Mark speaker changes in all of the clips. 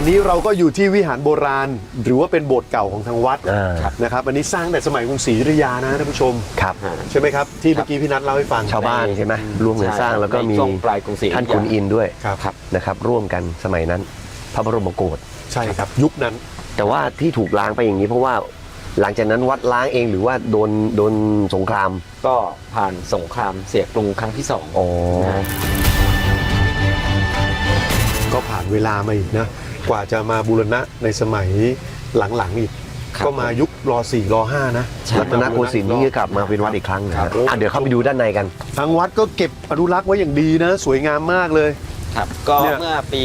Speaker 1: นี้เราก็อยู่ที่วิหารโบราณหรือว่าเป็นโบสถ์เก่าของทางวัดนะครับอันนี้สร้างแต่สมัยกรุงศรีอยุธยานะท่านผู้ชม
Speaker 2: ครับ
Speaker 1: ใช่ไหมครับที่เมื่อกี้พี่นัทเล่าให้ฟัง
Speaker 2: ชาวบ้านใช่ไหมร่วมกันสร้างแล้วก็มี
Speaker 3: ปลายกรุงศรี
Speaker 2: ท่านขุนอินทร์ด้วย
Speaker 1: ครับ
Speaker 2: นะครับร่วมกันสมัยนั้นพระบรมโกศ
Speaker 1: ใช่ครับยุคนั้น
Speaker 2: แต่ว่าที่ถูกล้างไปอย่างนี้เพราะว่าหลังจากนั้นวัดล้างเองหรือว่าโดนสงคราม
Speaker 3: ก็ผ่านสงครามเสียกรุงครั้งที่2
Speaker 1: ก็ผ่านเวลามาอีกนะกว่าจะมาบูรณะในสมัยหลังๆอีกก็มายุคร.4 ร.5นะ
Speaker 2: รัตนโกสินทร์นี่กลับมาเป็นวัดอีกครั้งนะเดี๋ยวเข้าไปดูด้านในกัน
Speaker 1: ทางวัดก็เก็บอนุรักษ์ไว้อย่างดีนะสวยงามมากเลย
Speaker 3: ครับก็เมื่อปี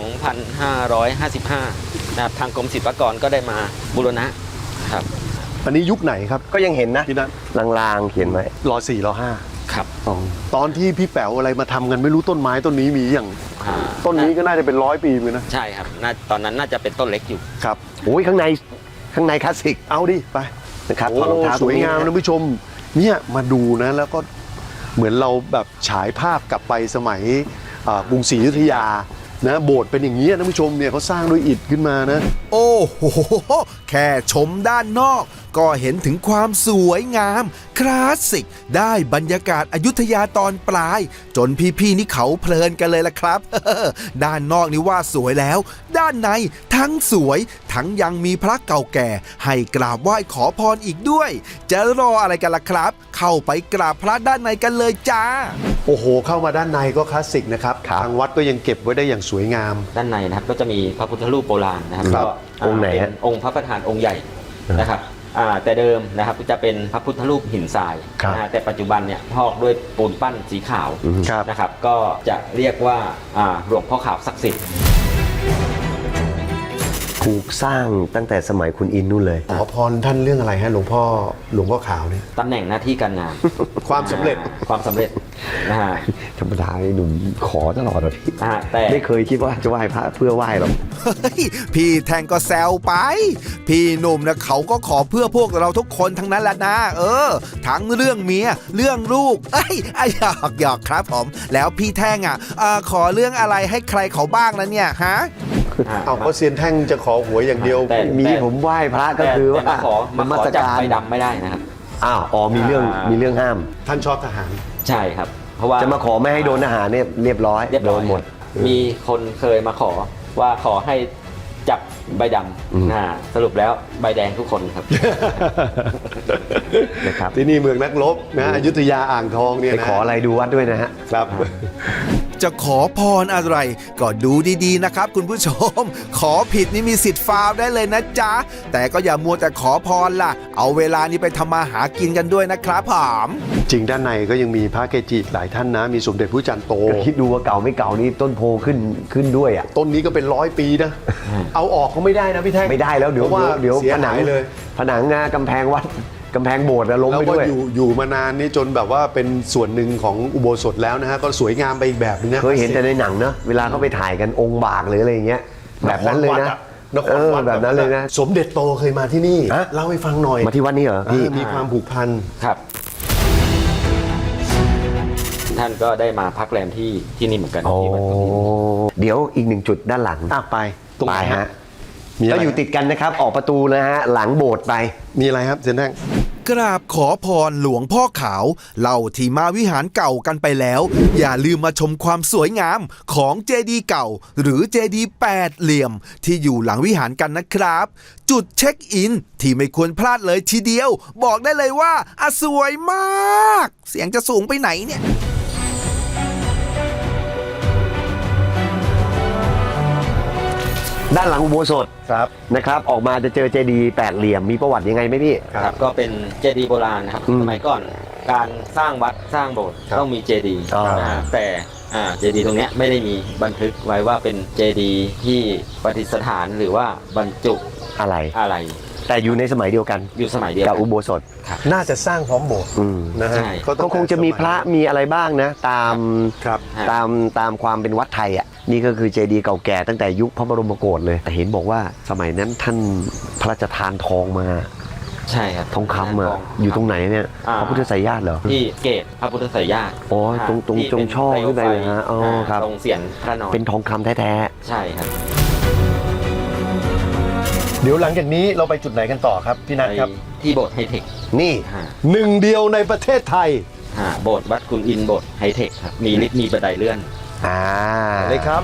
Speaker 3: 2555 นะครับทางกรมศิลปากรก็ได้มาบูรณะครับ
Speaker 1: อันนี้ยุคไหนครับ
Speaker 2: ก็ยังเห็นนะ
Speaker 1: พี่นัท
Speaker 2: ลางๆเขียนไว้
Speaker 1: ร.4 ร.5
Speaker 3: ครับ
Speaker 1: ตอนที่พี่แป๋วอะไรมาทำกันไม่รู้ต้นไม้ต้นนี้มีอย่างต้นนี้ก็น่าจะเป็น100 ปีเลยนะ
Speaker 3: ใช่ครับตอนนั้นน่าจะเป็นต้นเล็กอยู่
Speaker 1: ครับ
Speaker 2: โอ้ยข้างในคลาสสิก
Speaker 1: เอาดิไป
Speaker 2: นะครับ
Speaker 1: สวยงามนะผู้ชมเนี่ยมาดูนะแล้วก็เหมือนเราแบบฉายภาพกลับไปสมัยกรุงศรีอยุธยานะโบสถ์เป็นอย่างนี้นะผู้ชมเนี่ยเขาสร้างด้วยอิฐขึ้นมานะ
Speaker 4: โอ้โหแค่ชมด้านนอกก็เห็นถึงความสวยงามคลาสสิกได้บรรยากาศอยุธยาตอนปลายจนพี่ๆนี่เขาเพลินกันเลยล่ะครับ ด้านนอกนี่ว่าสวยแล้วด้านในทั้งสวยทั้งยังมีพระเก่าแก่ให้กราบไหว้ขอพรอีกด้วยจะรออะไรกันล่ะครับเข้าไปกราบพระด้านในกันเลยจ้า
Speaker 1: โอ้โหเข้ามาด้านในก็คลาสสิกนะครับทางวัดก็ยังเก็บไว้ได้อย่างสวยงาม
Speaker 3: ด้านในนะครับก็จะมีพระพุทธรูปโบราณนะครับก็
Speaker 2: องค์ไหน
Speaker 3: องค์พระประธานองค์ใหญ่นะครับแต่เดิมนะครับจะเป็นพระพุทธรูปหินทรายแต่ปัจจุบันเนี่ยพอกด้วยปูนปั้นสีขาวนะครับก็จะเรียกว่าหลวงพ่อขาวศักดิ์สิทธิ์
Speaker 2: ถูกสร้างตั้งแต่สมัยคุณอินนู่นเลย
Speaker 1: ขอพรท่านเรื่องอะไรฮะหลวงพ่อขาวเนี่ย
Speaker 3: ตำแหน่งหน้าที่การงาน
Speaker 1: ความสำเร็จ
Speaker 3: นะฮะ
Speaker 2: ธรรมดาหนุ่มขอตลอดพี่
Speaker 3: แต่
Speaker 2: ไม่เคยคิดว่าจะไหว้พระเพื่อไหว้หรอก
Speaker 4: พี่แทงก็แซวไปพี่หนุ่มนะเขาก็ขอเพื่อพวกเราทุกคนทั้งนั้นแหละนะทั้งเรื่องเมียเรื่องลูกหยอกครับผมแล้วพี่แท่งขอเรื่องอะไรให้ใครเขาบ้างนะเนี่ยฮะ
Speaker 1: เอาก็เซียนแท่งจะขอหวยอย่างเดียว
Speaker 2: มีผมไหว้พระก็คือว่า
Speaker 3: มาขอจับใบดำไม่ได้นะครับ
Speaker 2: มีเรื่องห้าม
Speaker 1: ท่านชอบทหาร
Speaker 3: ใช่ครับเพราะว่า
Speaker 2: จะมาขอไม่ให้โดนทหารเนี่ยเรียบร้อยโดนหมด
Speaker 3: มีคนเคยมาขอว่าขอให้จับใบดำสรุปแล้วใบแดงทุกคนครับ
Speaker 2: นะครับ
Speaker 1: ที่นี่เมืองนักรบนะอยุธยาอ่างทองเนี่ย
Speaker 2: ไปขออะไรดูวัดด้วยนะฮะ
Speaker 1: ครับ
Speaker 4: จะขอพรอะไรก็ดูดีๆนะครับคุณผู้ชมขอผิดนี่มีสิทธิ์ฟาวได้เลยนะจ๊ะแต่ก็อย่ามัวแต่ขอพรล่ะเอาเวลานี้ไปทำมาหากินกันด้วยนะครับผม
Speaker 1: จริงด้านในก็ยังมีพระเกจิหลายท่านนะมีสมเด็จพระจันทร์โต
Speaker 2: คิดดูว่าเก่าไม่เก่านี่ต้นโพขึ้นด้วย
Speaker 1: ต้นนี้ก็เป็น100 ปีนะเอาออกก็ไม่ได้นะพี่แท่ง
Speaker 2: ไม่ได้แล้วเดี๋ยวผนัง
Speaker 1: เลย
Speaker 2: ผนังกำแพงวัดกำแพงโบสถ์ล้มไปด้วย
Speaker 1: แล้วก็อยู่มานานนี่จนแบบว่าเป็นส่วนหนึ่งของอุโบสถแล้วนะฮะก็สวยงามไปอีกแบบนึงนะ
Speaker 2: เคยเห็นแต่ในหนังเนอะเวลาเขาไปถ่ายกันองค์บากหรืออะไรอย่างเงี้ยแบบนั้นเลยนะแบบนั้นเลยนะ
Speaker 1: สมเด็จโตเคยมาที่นี่เล่าให้ฟังหน่อย
Speaker 2: มาที่วัดนี้เหรอพี่
Speaker 1: มีความผูกพัน
Speaker 3: ครับท่านก็ได้มาพักแรมที่นี่เหมือนกันที่วัดนี้
Speaker 2: เดี๋ยวอีก1 จุดด้านหลัง
Speaker 1: ไป
Speaker 2: ตรงไหนฮะก็อยู่ติดกันนะครับออกประตูนะฮะหลังโบสถ์ไป
Speaker 1: มีอะไรครับเซนแท่ง
Speaker 4: กราบขอพรหลวงพ่อขาวเล่าที่มาวิหารเก่ากันไปแล้วอย่าลืมมาชมความสวยงามของเจดีย์เก่าหรือเจดีย์8 เหลี่ยมที่อยู่หลังวิหารกันนะครับจุดเช็คอินที่ไม่ควรพลาดเลยทีเดียวบอกได้เลยว่าสวยมากเสียงจะสูงไปไหนเนี่ย
Speaker 2: ด้านหลังอุโบสถนะครับออกมาจะเจอเจดีย์8 เหลี่ยมมีประวัติยังไงไหมพี่
Speaker 3: ครับก็เป็นเจดีย์โบราณนะครับสมัยก่อนการสร้างวัดสร้างโบสถ์ต้องมีเจดีย์แต่เจดีย์ตรงนี้ไม่ได้มีบันทึกไว้ว่าเป็นเจดีย์ที่ประดิษฐานหรือว่าบรรจุอะไร
Speaker 2: แต่อยู่ในสมัยเดียวกัน
Speaker 3: อยู่สมัยเดียว
Speaker 2: กับอุโบสถ
Speaker 1: น่าจะสร้างพร้อมโบสถ์นะฮะ
Speaker 2: ก็คงจะมีพระมีอะไรบ้างนะตามความเป็นวัดไทยนี่ก็คือเจดีย์เก่าแก่ตั้งแต่ยุคพระบรมโกศเลยแต่เห็นบอกว่าสมัยนั้นท่านพระราชทานทองมา
Speaker 3: ใช่ครับ
Speaker 2: ทองคำอยู่ตรงไหนเนี่ยพระพุทธไสยญาติเหรอ
Speaker 3: ที่เกศพระพุทธไสยญาติ
Speaker 2: ตรงจงช่อขึ้นไปเลยฮะ
Speaker 3: ตรงเสียนพระนอน
Speaker 2: เป็นทองคำแท้
Speaker 3: ๆใช่ครับ
Speaker 1: เดี๋ยวหลังจากนี้เราไปจุดไหนกันต่อครับพี่นัท
Speaker 3: ไป
Speaker 1: ครับ
Speaker 3: ที่โบสถ์ไฮเทค
Speaker 2: นี่
Speaker 1: หนึ่งเดียวในประเทศไทย
Speaker 3: โบสถ์วัดคุณอินโบสถ์ไฮเทคครับมีลิฟต์มีบันไดเลื่อน
Speaker 1: เลยครับ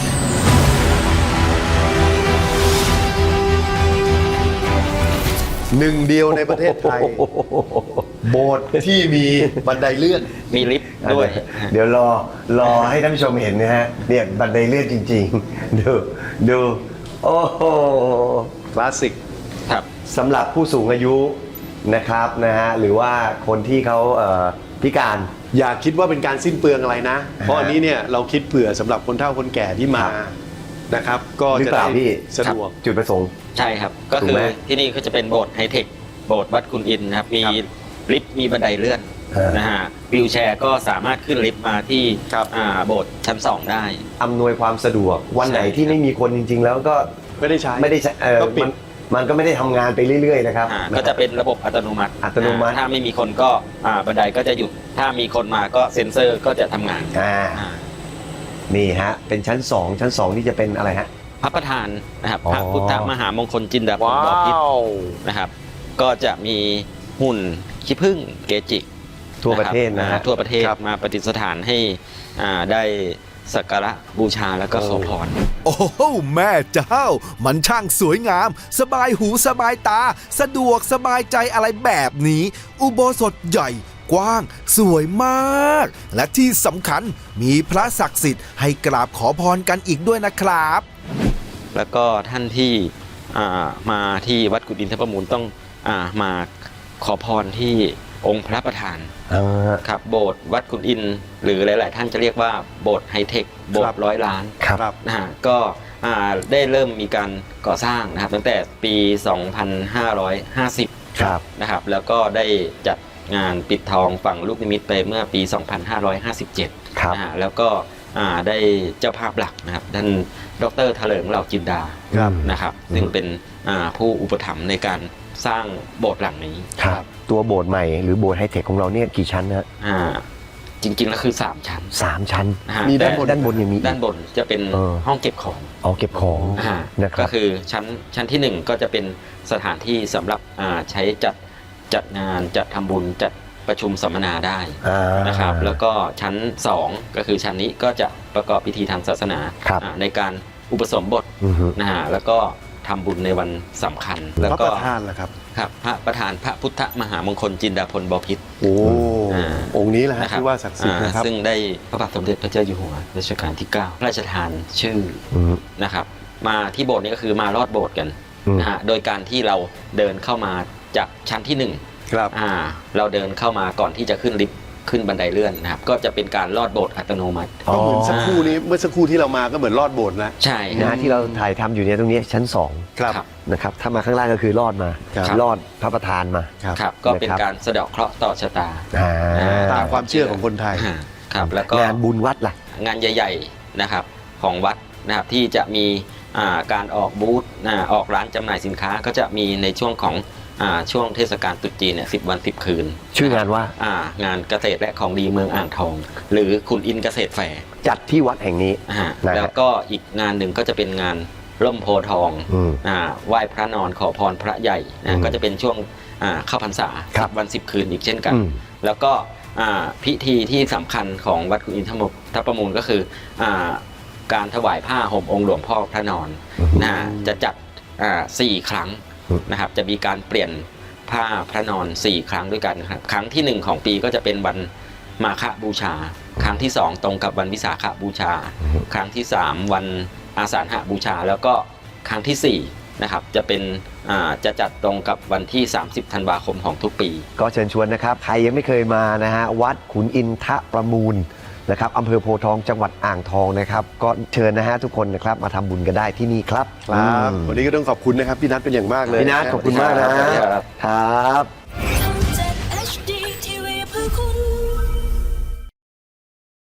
Speaker 1: หนึ่งเดียวในประเทศไทย โบสถ์ที่มีบันไดเลื่อน
Speaker 3: มีลิฟต์ด้วย
Speaker 2: เดี๋ยวรอให้ท่านผู้ชมเห็นนะฮะเนี่ยบันไดเลื่อนจริงๆ ดูโอ้โห
Speaker 1: คลาสสิก
Speaker 3: ครับ
Speaker 2: สำหรับผู้สูงอายุนะครับนะฮะหรือว่าคนที่เขาพิการ
Speaker 1: อย่าคิดว่าเป็นการสิ้นเปลืองอะไรนะ เพราะอันนี้เนี่ยเราคิดเผื่อสำหรับคนเฒ่าคนแก่ที่มานะครับ ก็
Speaker 2: หรือ
Speaker 1: จะ
Speaker 2: เป
Speaker 1: ได้
Speaker 2: ล่าพี่
Speaker 1: สะดวก
Speaker 2: จุดประสงค์
Speaker 3: ใช่ครับ ก็
Speaker 2: ถู
Speaker 3: คื
Speaker 2: ก
Speaker 3: อ
Speaker 2: ไหม
Speaker 3: ที่นี่ก็จะเป็นโบสถ์ไฮเทค โบสถ์วัดคุณอินนะครับ มีลิฟต์ มีบันไดเลื่อน นะฮะวิวแชร์ก็สามารถขึ้นลิฟต์มาที่
Speaker 1: ครับ
Speaker 3: โบสถ์ชั้น 2 ได้
Speaker 2: อำนวยความสะดวกวันไหน
Speaker 3: ใช่
Speaker 2: ที่ไม่มีคนจริง ๆ แล้วก็
Speaker 1: ไม่ได้ใช้
Speaker 2: ไม่ได้ใช้
Speaker 1: ก็ปิด
Speaker 2: มันก็ไม่ได้ทำงานไปเรื่อยๆนะครับ
Speaker 3: ก็จะเป็นระบบอัตโนมัติ
Speaker 2: อัตโนมัติ
Speaker 3: ถ้าไม่มีคนก็บันไดก็จะหยุด ถ้ามีคนมาก็เซ็นเซอร์ก็จะทำงาน
Speaker 2: อ่า
Speaker 3: อ่า
Speaker 2: นี่ฮะเป็นชั้น 2 ชั้น 2 ที่จะเป็นอะไรฮะ
Speaker 3: พระประธานนะครับ
Speaker 2: อ๋อ
Speaker 3: พระพุทธมหามงคลจินดาภรณ์บพิตรนะครับ ก็จะมีหุ่นขี้ผึ้งเกจิ
Speaker 2: ทั่วประเทศนะฮะ
Speaker 3: ทั่วประเทศ
Speaker 1: ครับ
Speaker 3: มาประดิษฐานให้ได้สักการะบูชาแล้วก็ขอพร
Speaker 4: โอ้โหแม่เจ้า มันช่างสวยงาม สบายหูสบายตา สะดวกสบายใจอะไรแบบนี้ อุโบสถใหญ่ กว้าง สวยมาก และที่สำคัญมีพระศักดิ์สิทธิ์ให้กราบขอพรกันอีกด้วยนะครับ
Speaker 3: แล้วก็ท่านที่มาที่วัดกุฎอินทรประมูลต้องมาขอพรที่องค์พระประธานครับโบสถ์วัดกุฎอินหรือหลาย ๆ ท่านจะเรียกว่าโบสถ์ไฮเทคโบสถ์100 ล้าน
Speaker 1: ครับ
Speaker 3: นะฮะก็ได้เริ่มมีการก่อสร้างนะครับตั้งแต่ปี 2550
Speaker 2: ครับ
Speaker 3: นะครับแล้วก็ได้จัดงานปิดทองฝั่งลูกนิมิตไปเมื่อปี 2557
Speaker 2: ครับ
Speaker 3: นะฮะแล้วก็ได้เจ้าภาพหลักนะครับท่านดร.เถลิงเหล่าจินดา
Speaker 1: ครับ
Speaker 3: นะครับซึ่งเป็นผู้อุปถัมภ์ในการสร้างโบสถ์หลังนี้
Speaker 2: ครับตัวโบสถ์ใหม่หรือโบสถ์ไฮเทคของเราเนี่ยกี่ชั้นนะ
Speaker 3: จริง ๆ แล้วคือ 3 ชั้น
Speaker 2: 3 ชั้น
Speaker 3: นะฮะ
Speaker 1: มี
Speaker 3: แต่
Speaker 2: ด้านบนยังมีอีก
Speaker 3: ด้านบนจะเป็น
Speaker 2: เออ
Speaker 3: ห้องเก็บของ
Speaker 2: เอาเก็บของ นะค
Speaker 3: ก็
Speaker 2: รับ
Speaker 3: คือชั้นที่ 1 ก็จะเป็นสถานที่สำหรับใช้จัดงานจัดทำบุญจัดประชุมสัมมนาได้นะครับแล้วก็ชั้น 2 ก็คือชั้นนี้ก็จะประกอบพิธีทางศาสนา
Speaker 2: ครับ
Speaker 3: ในการอุปสมบท
Speaker 2: อือฮึ
Speaker 3: นะฮะแล้วก็ทำบุญในวันสำคัญ แล้ว
Speaker 1: พระ
Speaker 3: ก็
Speaker 1: ประธานล่ะครับ
Speaker 3: ครับพระประธานพระพุทธมหามงคลจินดาภรณ์บพิตร
Speaker 1: โอ้
Speaker 3: อ่า
Speaker 1: องค์นี้แหละฮะ
Speaker 3: นะครับ
Speaker 1: ที่ว่าศักดิ์สิทธิ์นะครับ
Speaker 3: ซึ่งได้พระบาทสมเด็จพระเจ้าอยู่หัวรัชกาลที่ 9 พระราชทานชื่อ
Speaker 2: อืม
Speaker 3: นะครับมาที่โบสถ์นี้ก็คือมารอดโบสถ์กัน
Speaker 2: อืม
Speaker 3: นะฮะโดยการที่เราเดินเข้ามาจากชั้นที่
Speaker 1: ครับ
Speaker 3: 1เราเดินเข้ามาก่อนที่จะขึ้นลิฟต์ขึ้นบันไดเลื่อนนะครับก็จะเป็นการลอดโบสถ์อัตโนมัติ
Speaker 1: ก็เหมือนสักครู่นี้เมื่อสักครู่ที่เรามาก็เหมือนลอดโบสถ์แล้ว
Speaker 3: ใช่ค
Speaker 2: นะ
Speaker 3: รับ
Speaker 2: ที่เราถ่ายทำอยู่เนี่ยตรงนี้ชั้น
Speaker 1: ครับ
Speaker 3: ครับ
Speaker 2: 2นะครับถ้ามาข้างล่างก็คือลอดมา
Speaker 1: ครับ
Speaker 2: ลอดพระประธานมา
Speaker 3: ครับก็เป็น
Speaker 2: นะครับ
Speaker 3: การสะเดาะเคราะห์ต่อชะตา
Speaker 1: ตามความเชื่อของคนไทย
Speaker 3: ครับแล้วก็
Speaker 2: งานบุญวัดล่ะ
Speaker 3: งานใหญ่ๆนะครับของวัดนะครับที่จะมีการออกบูธออกร้านจำหน่ายสินค้าก็จะมีในช่วงของช่วงเทศกาลตรุษจีนเนี่ย10 วัน 10 คืน
Speaker 2: ชื่องานว่า
Speaker 3: งานเกษตรและของดีเมืองอ่างทอง หรือคุณอินเกษตรแฟร์
Speaker 2: จัดที่วัดแห่งนี้
Speaker 3: นะฮะ
Speaker 2: นะฮะ
Speaker 3: แล้วก็อีกงานหนึ่งก็จะเป็นงานร่มโพธิ์ทอง
Speaker 2: อืม
Speaker 3: ไหว้พระนอนขอพรพระใหญ่
Speaker 2: อื
Speaker 3: นะ
Speaker 2: ม
Speaker 3: ก็จะเป็นช่วงเข้าพรรษา
Speaker 2: ครับ
Speaker 3: 10 วัน 10 คืนอีกเช่นกัน
Speaker 2: อืม
Speaker 3: แล้วก็พิธีที่สำคัญของวัดกุฎอินทรประมูลก็คือการถวายผ้าห่มองค์หลวงพ่อพระนอนนะฮะจะจัด4 ครั้งนะครับจะมีการเปลี่ยนผ้าพระนอน 4 ครั้งด้วยกันนะครับครั้งที่ 1 ของปีก็จะเป็นวันมาฆบูชา ครั้งที่ 2 ตรงกับวันวิสาขบูชา ครั้งที่ 3 วันอาสาฬหบูชา แล้วก็ครั้งที่4นะครับจะเป็นจะจัดตรงกับวันที่ 30 ธันวาคมของทุกปี
Speaker 2: ก็เชิญชวนนะครับใครยังไม่เคยมานะฮะวัดขุนอินทรประมูลนะครับอำเภอโพธิ์ทองจังหวัดอ่างทองนะครับก็เชิญนะฮะทุกคนนะครับมาทำบุญกันได้ที่นี่ครับ
Speaker 1: ครับวันนี้ก็ต้องขอบคุณนะครับพี่นัทเป็นอย่างมากเลย
Speaker 2: พี่นัทขอบคุณมากนะ
Speaker 3: ครับ
Speaker 2: ครับ